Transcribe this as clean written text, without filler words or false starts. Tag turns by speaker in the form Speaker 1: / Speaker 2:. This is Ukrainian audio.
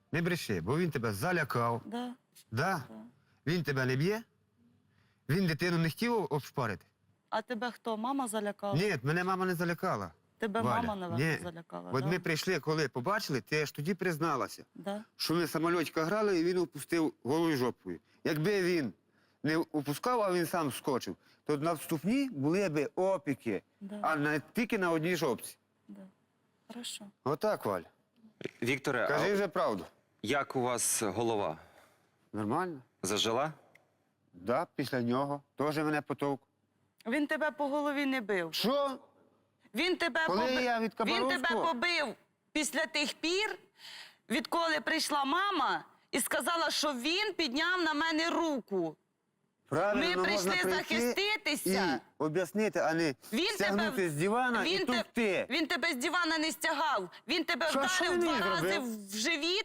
Speaker 1: Не бреши, бо він тебе залякав.
Speaker 2: Да.
Speaker 1: Да? Він тебе не б'є? Він дитину не хотів обшпарити?
Speaker 2: А тебе хто? Мама залякала?
Speaker 1: Ні, мене мама не залякала.
Speaker 2: Тебе
Speaker 1: Валя.
Speaker 2: мама, напевно,
Speaker 1: Ні.
Speaker 2: залякала.
Speaker 1: От
Speaker 2: да?
Speaker 1: ми прийшли, коли побачили, ти аж тоді призналася,
Speaker 2: Да?
Speaker 1: що ми самольотика грали, і він опустив голою жопою. Якби він не опускав, а він сам скочив, то на вступні були б опіки,
Speaker 2: Да.
Speaker 1: а не тільки на одній жопці.
Speaker 2: Да. Хорошо.
Speaker 1: Отак, Валь.
Speaker 3: Вікторе,
Speaker 1: Кажи
Speaker 3: а
Speaker 1: вже правду.
Speaker 3: як у вас голова?
Speaker 1: Нормально?
Speaker 3: Зажила?
Speaker 1: Да, після нього. Теж мене потовк.
Speaker 2: Він тебе по голові не бив.
Speaker 1: Що?
Speaker 2: Він тебе,
Speaker 1: Коли я від
Speaker 2: він тебе
Speaker 1: Кабаровського?
Speaker 2: побив після тих пір, відколи прийшла мама і сказала, що він підняв на мене руку.
Speaker 1: Правильно,
Speaker 2: Ми
Speaker 1: можна
Speaker 2: прийшли
Speaker 1: прийти
Speaker 2: захиститися.
Speaker 1: І об'яснити, а не стягнути з дивана і тупти.
Speaker 2: Він тебе з дивана не стягав. Він тебе
Speaker 1: Що він
Speaker 2: вдарив
Speaker 1: мені
Speaker 2: 2 рази
Speaker 1: зробив?
Speaker 2: в живіт